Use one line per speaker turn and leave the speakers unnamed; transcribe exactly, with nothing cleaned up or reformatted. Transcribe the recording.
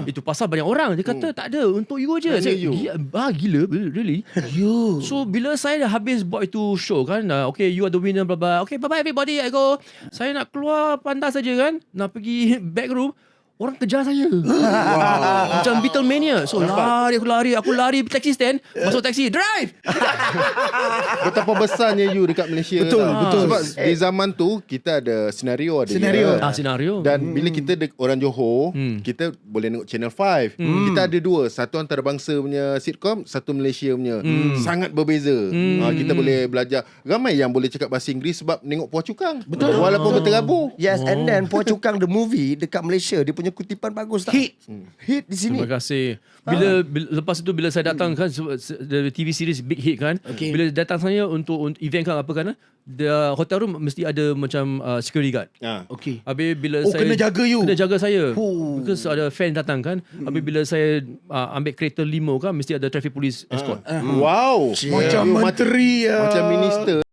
Itu pasal banyak orang. Dia kata tak ada, untuk you je.
Hanya
Saya,
you.
"Gila, ah, gila, really?"
You.
So bila saya dah habis buat itu show kan, uh, okay, you are the winner, blah blah. Okay, bye bye everybody, I go. Saya nak keluar pantas saja kan, nak pergi back room. Orang kejar saya. Wow. Macam Beatlemania. So lari, aku lari, aku lari taxi stand, masuk taxi, drive.
Betapa besarnya you dekat Malaysia.
Betul,
tau.
betul.
Sebab di zaman tu kita ada senario ada
Senario.
dia.
Ah, senario.
Dan hmm. bila kita de- orang Johor,
Hmm.
kita boleh tengok Channel five. Hmm. Kita ada dua, satu antarabangsa punya sitcom, satu Malaysia punya. Hmm. Sangat berbeza. Hmm. Ha, kita boleh belajar. Ramai yang boleh cakap bahasa Inggeris sebab menengok Puan Cukang.
Betul.
Walaupun
Betul.
berterabur.
Yes, and then Puan Cukang the movie dekat Malaysia, dia punya kutipan bagus tak?
Hit.
Hit di sini.
Terima kasih. Bila, bila lepas itu bila saya datang kan, se- se- the T V series Big Hit kan.
Okay.
Bila datang saya untuk, untuk event kan apa kan, the hotel room mesti ada macam uh, security guard.
Ha.
Okay.
Habis bila
Oh,
saya
kena jaga you.
Kena jaga saya.
Oh.
Because ada fan datang kan. Habis bila saya uh, ambil kereta limo kan, mesti ada traffic police escort.
Wow.
Macam
You
menteri. ah.
Macam minister.